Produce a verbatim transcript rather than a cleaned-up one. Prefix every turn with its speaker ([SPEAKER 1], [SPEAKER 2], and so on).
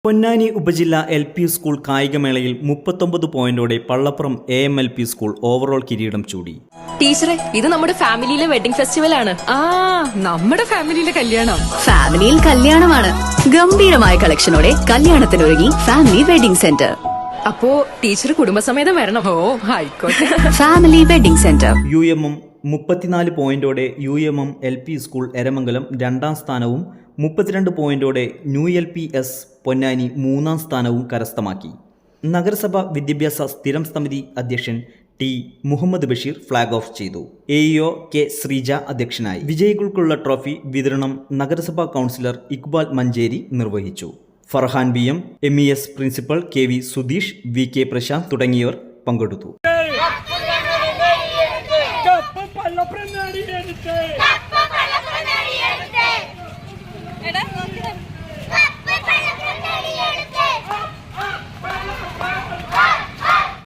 [SPEAKER 1] പൊന്നാനി ഉപജില്ല L P school കായികമേളയിൽ മുപ്പത്തൊമ്പത് പോയിന്റോടെ Pallappuram A M L P school overall കിരീടം ചൂടി.
[SPEAKER 2] ടീച്ചറെ, ഇത് നമ്മുടെ ഫാമിലിയിലെ വെഡിങ് ഫെസ്റ്റിവൽ ആണ്.
[SPEAKER 3] ആ നമ്മുടെ ഫാമിലിയിലെ കല്യാണം.
[SPEAKER 4] ഫാമിലിയിൽ കല്യാണമാണ്. ഗംഭീരമായ കളക്ഷനോടെ കല്യാണത്തിനൊരുങ്ങി ഫാമിലി വെഡിംഗ് സെന്റർ.
[SPEAKER 2] അപ്പോ ടീച്ചർ കുടുംബസമേതം വരണം.
[SPEAKER 3] ഓ ആയിക്കോട്ടെ.
[SPEAKER 4] Family wedding centre.
[SPEAKER 1] U M M മുപ്പത്തിനാല് പോയിന്റോടെ U M M L P school Eramangalam രണ്ടാം സ്ഥാനവും മുപ്പത്തിരണ്ട് പോയിന്റോടെ new L P S Ponnani മൂന്നാം സ്ഥാനവും കരസ്ഥമാക്കി. നഗരസഭ വിദ്യാഭ്യാസ സ്ഥിരം സമിതി അധ്യക്ഷൻ T Muhammad Basheer flag off ചെയ്തു. A E O K Sreeja അധ്യക്ഷനായി. വിജയികൾക്കുള്ള ട്രോഫി വിതരണം നഗരസഭാ കൗൺസിലർ ഇക്ബാൽ മഞ്ചേരി നിർവഹിച്ചു. Farhan B M, M E S principal K V Sudheesh, V K Prashanth തുടങ്ങിയവർ പങ്കെടുത്തു.